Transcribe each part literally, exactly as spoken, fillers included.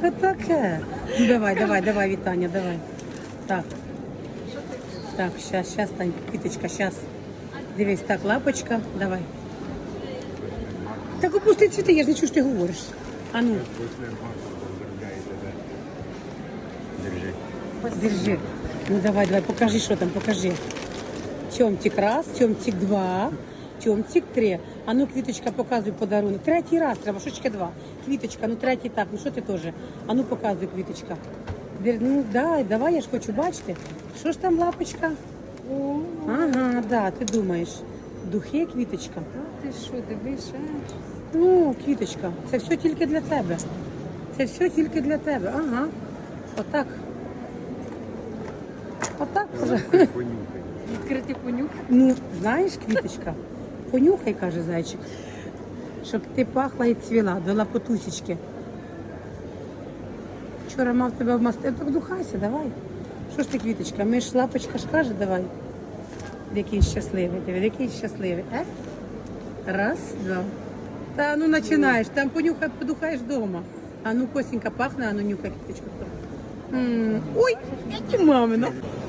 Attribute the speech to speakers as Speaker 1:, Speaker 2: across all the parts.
Speaker 1: Що таке? Ну, давай, давай, давай, Вітаня, давай. Так. Так, щас, щас, Тань, квіточка, щас. Дивись, так, лапочка, давай. Так опусти цвіти, я ж не чую, що ти говориш. А ну. Держи. Ну давай, давай, покажи, що там, покажи. Тьомтик раз, тьомтик два, тьомтик три. А ну, квіточка, показуй подарунок. Третій раз треба, шучки два. Квіточка, ну третій так, ну що ти теж? А ну, показуй, квіточка. Дер- Ну, дай, давай, я ж хочу бачити. Що ж там, лапочка? Ага, да, ти думаєш. Духи, квіточка.
Speaker 2: Ти що, дивиш?
Speaker 1: Ну, квіточка, це все тільки для тебе. Це все тільки для тебе. Ага. Отак. Отак.
Speaker 2: Відкрити понюх.
Speaker 1: Ну, знаєш, квіточка, понюхай, каже зайчик, щоб ти пахла і цвіла до лапотусечки. Вчора мав тебе в масти. Так духайся, давай. Що ж ти, квіточка, ми ж лапочка ж каже, давай. Який щасливий, диви, який щасливий. Е? Раз, два. Та ну починаєш, там понюхай, подухаєш вдома. А ну, Косенька, пахне, а ну нюхай, квіточку. М, Ой, які мамина.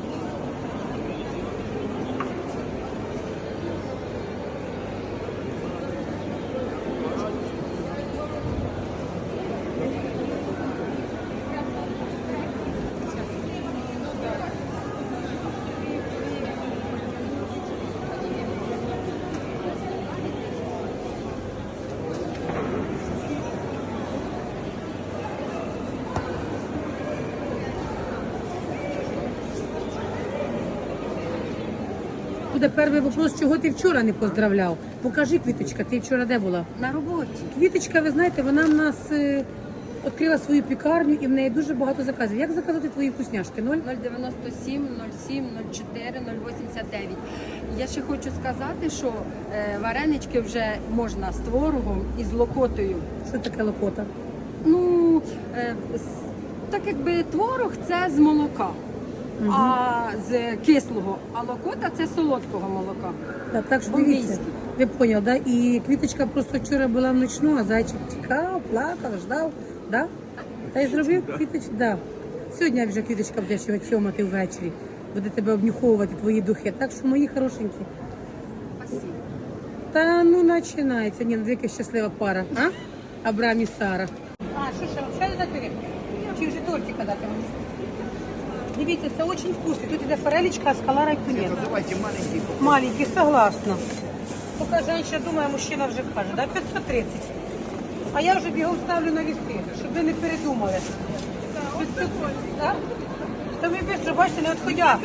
Speaker 1: Буде перший вопрос, чого ти вчора не поздравляв. Покажи, квіточка, ти вчора де була?
Speaker 2: На роботі.
Speaker 1: Квіточка, ви знаєте, вона в нас е, відкрила свою пікарню і в неї дуже багато заказів. Як заказати твої вкусняшки? Ноль?
Speaker 2: нуль дев'яносто сім, нуль сім, нуль чотири, нуль вісімдесят дев'ять. Я ще хочу сказати, що е, варенички вже можна з творогом і з локотою.
Speaker 1: Що таке лопота?
Speaker 2: Ну, е, с- так якби творог це з молока, а з кислого, а локота це з солодкого молока.
Speaker 1: Так, так що
Speaker 2: Бомбійський.
Speaker 1: дивіться, ви поняли, да? І квіточка просто вчора була в ночну, а зайчик тікав, плакав, ждав, да? Та й зробив квіточку, да. Сьогодні вже квіточка буде ще цьомати ввечері, буде тебе обнюховувати твої духи. Так що, мої хорошенькі.
Speaker 2: Спасибо.
Speaker 1: Та ну починається. Ні, ну яка щаслива пара, а? Абрам і Сара. А, що ще, ще дати? Чи вже тортика дати вам? Дивіться, це дуже вкусно. Тут іде форелечка, а скалара і тунець.
Speaker 3: Давайте маленький.
Speaker 1: Маленький, согласна. Поки жінка думає, мужчина вже каже, да, п'ятсот тридцять. А я вже бігом ставлю на віси, щоб ви не передумали. п'ятсот, так? Та ви швидко, бачите, не відходя.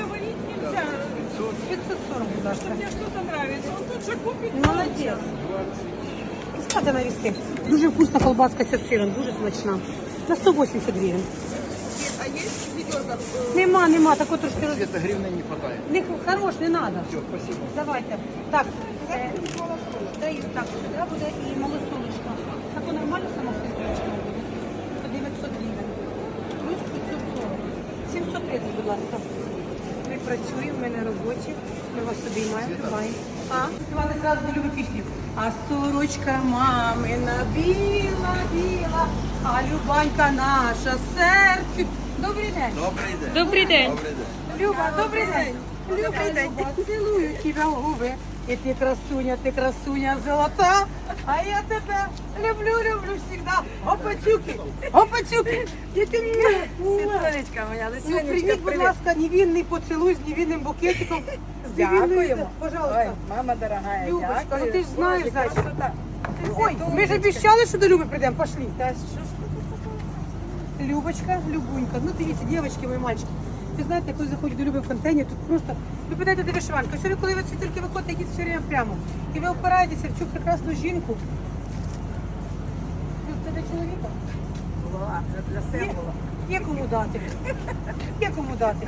Speaker 1: п'ятсот сорок, будь ласка.
Speaker 4: Мне что-то нравится. Он тут же купит.
Speaker 1: Молодець. Ставте на віси. Дуже вкусна колбаска з сиром, дуже смачна. На сто вісімдесят гривень.
Speaker 4: А есть ведерко?
Speaker 1: Нема, нема, тако трошки роз...
Speaker 3: Где-то гривны не хватает.
Speaker 1: Не хорош, не треба.
Speaker 3: Все, спасибо.
Speaker 1: Давайте. Так, е, даю так, сюди буде і малосолочка. Так нормально самосвіточка буде? По дев'ятсот гривень. Плюс п'ятсот сорок. сімсот тридцять, будь ласка. Ми працюємо, ми на роботі, ми вас обіймаємо, тримаємо. А? Співали зразу не любу пісню. А сорочка мамина біла, біла, а любанька наша серцю. Добрий день.
Speaker 3: Добрый день.
Speaker 2: Добрий день.
Speaker 3: Добрий день.
Speaker 1: Люба, добрий день. Добрий день. Цілую тебе в губи. І ти красуня, ти красуня золота. А я тебе люблю, люблю всегда. Опацюки, опацюки. І ти мені.
Speaker 4: Світланечка моя,
Speaker 1: Ну, прийміть, будь ласка, невинний поцілуй з невинним букетиком. З невинною-
Speaker 4: Дякуємо.
Speaker 1: Пожалуйста.
Speaker 4: Мама дорогая,
Speaker 1: Любочка,
Speaker 4: дякую.
Speaker 1: ну ти ж знаєш,
Speaker 4: Боже,
Speaker 1: зайчик.
Speaker 4: красота.
Speaker 1: Ой, ми ж обіцяли, що до Люби прийдемо. Пошли.
Speaker 4: Та що ж
Speaker 1: Любочка, Любунька. Ну, дивіться, дівчатки, мої мальчики. Ви знаєте, коли заходять до Люби в контейнер, тут просто, ви питаєте, де вишиванка. Сьогодні, коли ви тільки виходите, йдіть все время прямо. І ви опираєтеся в цю прекрасну жінку. Ну, це для чоловіка?
Speaker 4: була, це для
Speaker 1: Є,
Speaker 4: символа.
Speaker 1: є кому дати. Є кому дати.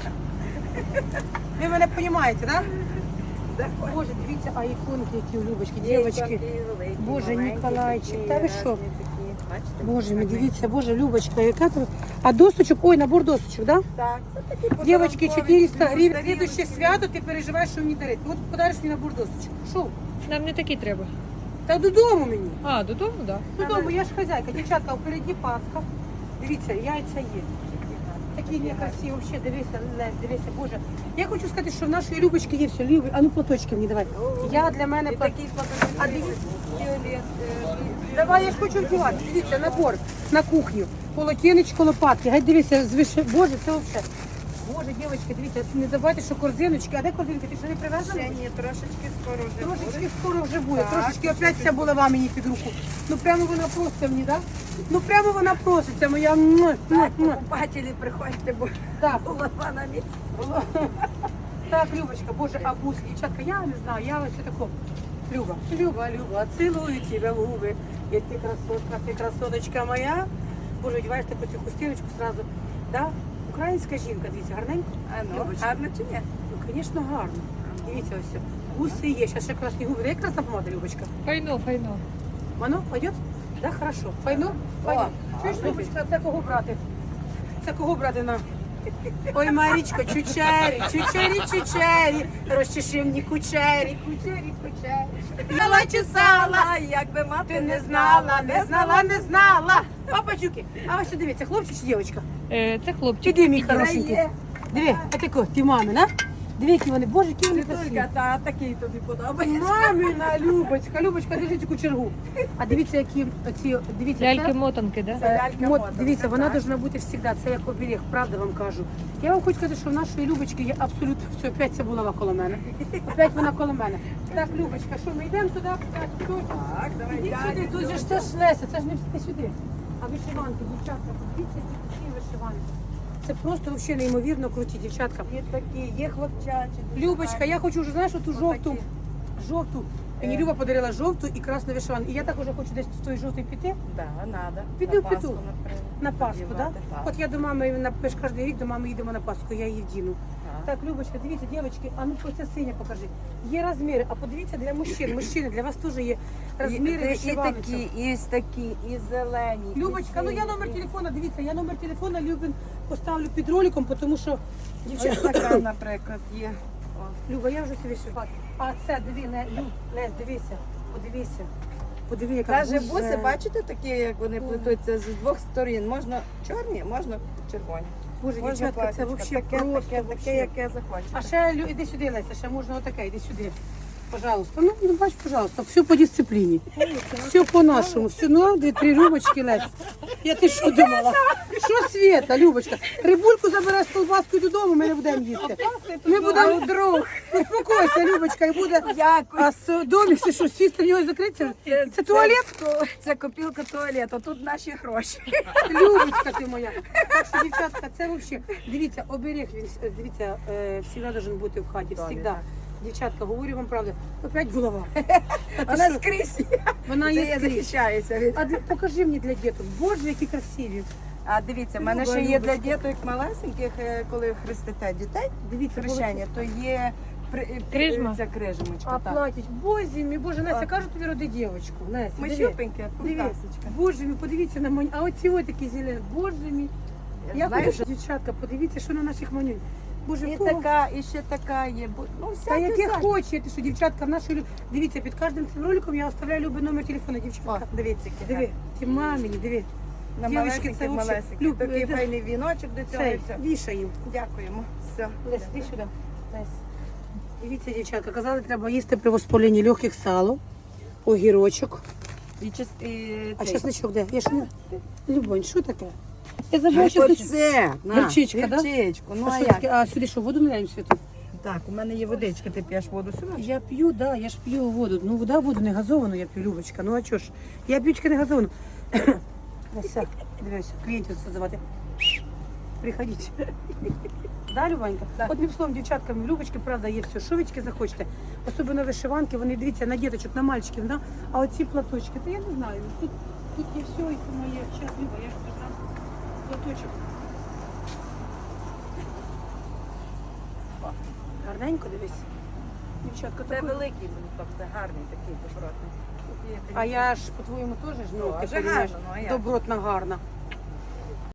Speaker 1: Ви мене розумієте, так? Да? Боже, дивіться, а іконки, які у Любочки, дівчатки. Боже, Ніколайчик, та ви що? Боже мій, дивіться, Боже, Любочка, яка тут. А досочок, ой, набор досочок, да?
Speaker 4: Так, це такі
Speaker 1: Дівчатки,
Speaker 4: подарункові
Speaker 1: чотириста гривень.
Speaker 4: старі.
Speaker 1: Слідуще свято, ти переживаєш, що мені дарити. От подариш мені набор досочок. Що?
Speaker 2: Нам не такі треба.
Speaker 1: Та додому мені.
Speaker 2: А, додому, так.
Speaker 1: Додому, я ж хазяйка. Дівчатка, впереді Пасха. Дивіться, яйця є. Такі некрасиві, взагалі, дивися, Лесь, дивися, Боже. Я хочу сказати, що в нашої Любочки є все. Любі, а ну платочки мені давай. Я для мене...
Speaker 4: І такий
Speaker 1: А
Speaker 4: платочок.
Speaker 1: дивіться.
Speaker 4: Фіолет. е,
Speaker 1: Давай, я ж хочу вдівати. Дивіться, набор на кухню. Полотенечко, лопатки. Гай, дивіться, звише. Боже, це взагалі. Боже, дівчатки, дивіться, не забувайте, що корзиночки. А де корзинки? Ти що не привезла?
Speaker 4: Ще ні, трошечки скоро вже
Speaker 1: Трошечки
Speaker 4: буде.
Speaker 1: скоро вже буде.
Speaker 4: Так,
Speaker 1: Трошечки опять ця булава мені під руку. Ну прямо вона проситься мені, так? Ну прямо вона проситься, моя. Муа, муа,
Speaker 4: Так,
Speaker 1: муа.
Speaker 4: покупателі, приходьте, бо
Speaker 1: Так,
Speaker 4: голова на місці.
Speaker 1: так, Любочка, Боже, а бус, дівчатка, я не знаю, я ось тако. Люба, Люба, Люба, цілую тебе в губи. Я ти красотка, ти красоточка моя. Боже, одягаєш таку цю хустиночку сразу. Да? Українська жінка, дивіться, гарненько.
Speaker 4: А ну,
Speaker 1: Любочка.
Speaker 4: гарно чи ні?
Speaker 1: Ну, звісно, гарно. Дивіться ось. Гуси є, зараз ще красні губи. Дай красна помада, Любочка.
Speaker 3: Файно, файно.
Speaker 1: Воно пойдет? Да, хорошо. Файно? Файно. Чуєш, Любочка, це кого брати? Це кого брати на? Ой, Марічко, чучері, чучері, чучері, розчеши мені кучері, кучері, кучері. Сала чи сала,
Speaker 4: А як би мати
Speaker 1: ти не знала, не знала, не знала. Папачуки, а ось дивіться, хлопчик чи дівчинка?
Speaker 3: Е, це хлопчик.
Speaker 1: Іди, мій
Speaker 4: Це
Speaker 1: хорошенький.
Speaker 4: є.
Speaker 1: Диви, а тако, ти мамина. Диви, які вони, боже, які вони красиві.
Speaker 4: Світулька, та такий тобі подобається.
Speaker 1: Мамина, Любочка, Любочка, держи цю чергу. А дивіться, які оці, дивіться, це-
Speaker 3: Ляльки-мотанки, да?
Speaker 4: Це лялька
Speaker 1: От,
Speaker 4: мода,
Speaker 1: дивіться,
Speaker 4: це
Speaker 1: вона
Speaker 4: так.
Speaker 1: повинна бути завжди, це як оберіг, правда вам кажу. Я вам хочу сказати, що в нашої Любочки є абсолютно все, опять ця булава коло мене. Опять вона коло мене. Так, Любочка, що ми йдемо туди? Так, тут.
Speaker 4: Так, давай,
Speaker 1: Ідіть
Speaker 4: дядя,
Speaker 1: сюди, тут же ж це ж Леся, це ж не всі сюди. А вишиванки, дівчатка, подивіться, які всі вишиванки. Це просто взагалі неймовірно круті, дівчатка.
Speaker 4: Є такі, є хлопчачі. дуже
Speaker 1: Любочка,
Speaker 4: гарні.
Speaker 1: я хочу вже, знаєш, оту жовту,
Speaker 4: Отакі.
Speaker 1: жовту. Мені
Speaker 4: Е.
Speaker 1: Люба подарила жовту і красну вишиванку. І я також хочу десь в той жовтий піти.
Speaker 4: Да, надо.
Speaker 1: Піду,
Speaker 4: На
Speaker 1: піду.
Speaker 4: Пасху, наприклад.
Speaker 1: На Пасху, так?
Speaker 4: Вдівати, так.
Speaker 1: От я до мами на ми ж кожен рік до мами їдемо на Пасху, я її вдіну.
Speaker 4: Так.
Speaker 1: Так, Любочка, дивіться, дівчатки, а ну оце синя покажи. Є розміри, а подивіться для мужчин. Мужчини, для вас теж є розміри
Speaker 4: і, і
Speaker 1: вишиваночок.
Speaker 4: такі, і такі, і зелені. і
Speaker 1: Любочка, ну я
Speaker 4: сині,
Speaker 1: номер
Speaker 4: і-
Speaker 1: телефона, дивіться, я номер телефона Любин поставлю під роликом, тому що
Speaker 4: Ось
Speaker 1: дівчатка.
Speaker 4: така, наприклад, є. О.
Speaker 1: Люба, я вже собі шивати. А це, диви, не, Люб, Лесь, дивися, подивися. Подиви, яка
Speaker 4: Навіть
Speaker 1: дуже-
Speaker 4: буси, бачите, такі, як вони плетуться з двох сторін. Можна чорні, можна червоні.
Speaker 1: Боже,
Speaker 4: Можна
Speaker 1: дівчатка, це
Speaker 4: платічко.
Speaker 1: взагалі
Speaker 4: таке,
Speaker 1: просто.
Speaker 4: таке,
Speaker 1: вообще.
Speaker 4: таке, яке захочете.
Speaker 1: А ще Лю, іди сюди, Леся, ще можна отаке, іди сюди. Пожалуйста. Ну, ну бач, пожалуйста, все по дисципліні. Все по-нашому. Все, ну, дві-три рюмочки, Лесь. Я ти що думала? Що Свєта, Любочка? Рибульку забирай з колбаскою додому, ми не будемо їсти. Ми будемо друг. Успокойся, Любочка, і буде.
Speaker 4: Дякую.
Speaker 1: А з домі все що, сісти в нього закриться? Це туалет?
Speaker 4: Це, це копілка туалету, тут наші гроші.
Speaker 1: Любочка ти моя. Так що, дівчатка, це взагалі. Дивіться, оберіг він, е, дивіться, е, завжди має бути в хаті, завжди. Дівчатка, говорю вам правду. Опять голова. Та ти
Speaker 4: Вона
Speaker 1: що?
Speaker 4: скрізь.
Speaker 1: Вона
Speaker 4: Це
Speaker 1: є
Speaker 4: я
Speaker 1: скрізь.
Speaker 4: захищаюся від.
Speaker 1: А для- покажи мені для діток. Боже, які красиві.
Speaker 4: А дивіться, в мене
Speaker 1: Люба,
Speaker 4: ще є для
Speaker 1: Любочка.
Speaker 4: діток малесеньких, е, коли хрестите дітей,
Speaker 1: Дивіться,
Speaker 4: хрещення, то є при-
Speaker 3: Крижма.
Speaker 4: Ця крижмочка.
Speaker 1: А
Speaker 4: так.
Speaker 1: платять. Боже мій, Боже, Настя,
Speaker 4: Так.
Speaker 1: кажу тобі роди дівчинку. Настя,
Speaker 4: Ми
Speaker 1: диви.
Speaker 4: щупенькі,
Speaker 1: Диви.
Speaker 4: кутасочка.
Speaker 1: Боже мій, подивіться на мені. А оці ось такі зелені. Боже мій. Я
Speaker 4: Знаєш,
Speaker 1: хочу, дівчатка, подивіться, що на наших манюнь. Боже,
Speaker 4: і
Speaker 1: кого?
Speaker 4: така, і ще така є. бу- Ну,
Speaker 1: Та
Speaker 4: всяке,
Speaker 1: яке
Speaker 4: всяке.
Speaker 1: хоче, ти що, дівчатка, в нашій лю- дивіться, під кожним цим роликом я оставляю любий номер телефону,
Speaker 4: О,
Speaker 1: дівчатка.
Speaker 4: дивіться, які
Speaker 1: Диви, ті мамині, диви.
Speaker 4: На
Speaker 1: Дівчатки,
Speaker 4: малесеньких,
Speaker 1: це вообще-
Speaker 4: малесеньких.
Speaker 1: Люб,
Speaker 4: Такий
Speaker 1: е, де-
Speaker 4: файний віночок до цього і
Speaker 1: Цей,
Speaker 4: все.
Speaker 1: вішаємо.
Speaker 4: Дякуємо. Все.
Speaker 1: Лесь, іди сюди. Лесь. Дивіться, дівчатка, казали, треба їсти при воспаленні легких сало, огірочок.
Speaker 4: І, чис- і
Speaker 1: А
Speaker 4: цей.
Speaker 1: чесничок де? Я ж не... Любонь, що таке? Я
Speaker 4: Ну,
Speaker 1: забула чесничок.
Speaker 4: Оце, на,
Speaker 1: Гірчичка, да?
Speaker 4: гірчичку. Ну,
Speaker 1: А
Speaker 4: а
Speaker 1: що
Speaker 4: як?
Speaker 1: таке? А сюди що, воду наляємо світу?
Speaker 4: Так, у мене є водичка, ти п'єш воду сюди?
Speaker 1: Я п'ю, да, я ж п'ю воду. Ну, вода, воду не газовану, я п'ю, Любочка. Ну, а чого ж? Я п'ю тільки не газовану. Ось, дивися, клієнтів звати. Приходіть. Да, Любанька?
Speaker 4: Да.
Speaker 1: Одним словом, дівчаткам, в Любочки, правда, є все. Що ви тільки захочете? Особливо вишиванки, вони, дивіться, на діточок, на мальчиків, да? А оці платочки, то я не знаю. Тут, тут є все, і це моє. Зараз, Люба, я ж придам платочок. Гарненько, дивись. Дівчатка,
Speaker 4: Це
Speaker 1: такий-
Speaker 4: великий, тобто гарний такий добротний. Тут є
Speaker 1: А я ж, по-твоєму, теж ж, ну,
Speaker 4: Тоже
Speaker 1: ти розумієш,
Speaker 4: гарно, ну, а як?
Speaker 1: добротна, гарна.